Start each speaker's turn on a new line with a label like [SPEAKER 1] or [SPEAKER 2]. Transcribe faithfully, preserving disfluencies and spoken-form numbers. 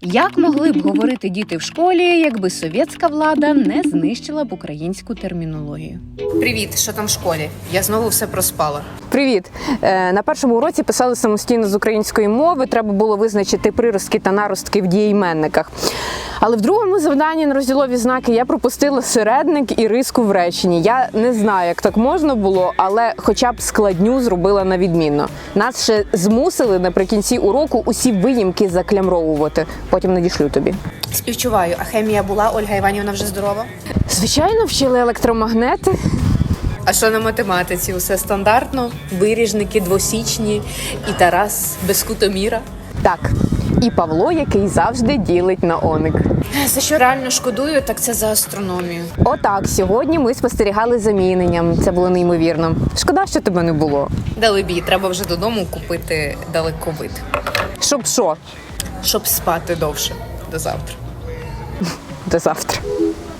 [SPEAKER 1] Як могли б говорити діти в школі, якби совєтська влада не знищила б українську термінологію? Привіт, що там в школі? Я знову все проспала.
[SPEAKER 2] Привіт! Е, На першому уроці писали самостійно з української мови, треба було визначити приростки та наростки в дієіменниках. Але в другому завданні на розділові знаки я пропустила середник і риску в реченні. Я не знаю, як так можна було, але хоча б складню зробила на відмінно. Нас ще змусили наприкінці уроку усі виїмки заклямровувати. Потім надішлю тобі.
[SPEAKER 1] Співчуваю, а хемія була, Ольга Іванівна вже здорова?
[SPEAKER 2] Звичайно, вчили електромагнети.
[SPEAKER 1] А що на математиці? Усе стандартно? Виріжники двосічні і Тарас без кутоміра?
[SPEAKER 2] Так, і Павло, який завжди ділить на оник.
[SPEAKER 1] За що реально шкодую, так це за астрономію.
[SPEAKER 2] Отак, сьогодні ми спостерігали за міненням. Це було неймовірно. Шкода, що тебе не було.
[SPEAKER 1] Далебі, треба вже додому купити далековид.
[SPEAKER 2] Щоб що?
[SPEAKER 1] Щоб спати довше. До завтра.
[SPEAKER 2] До завтра.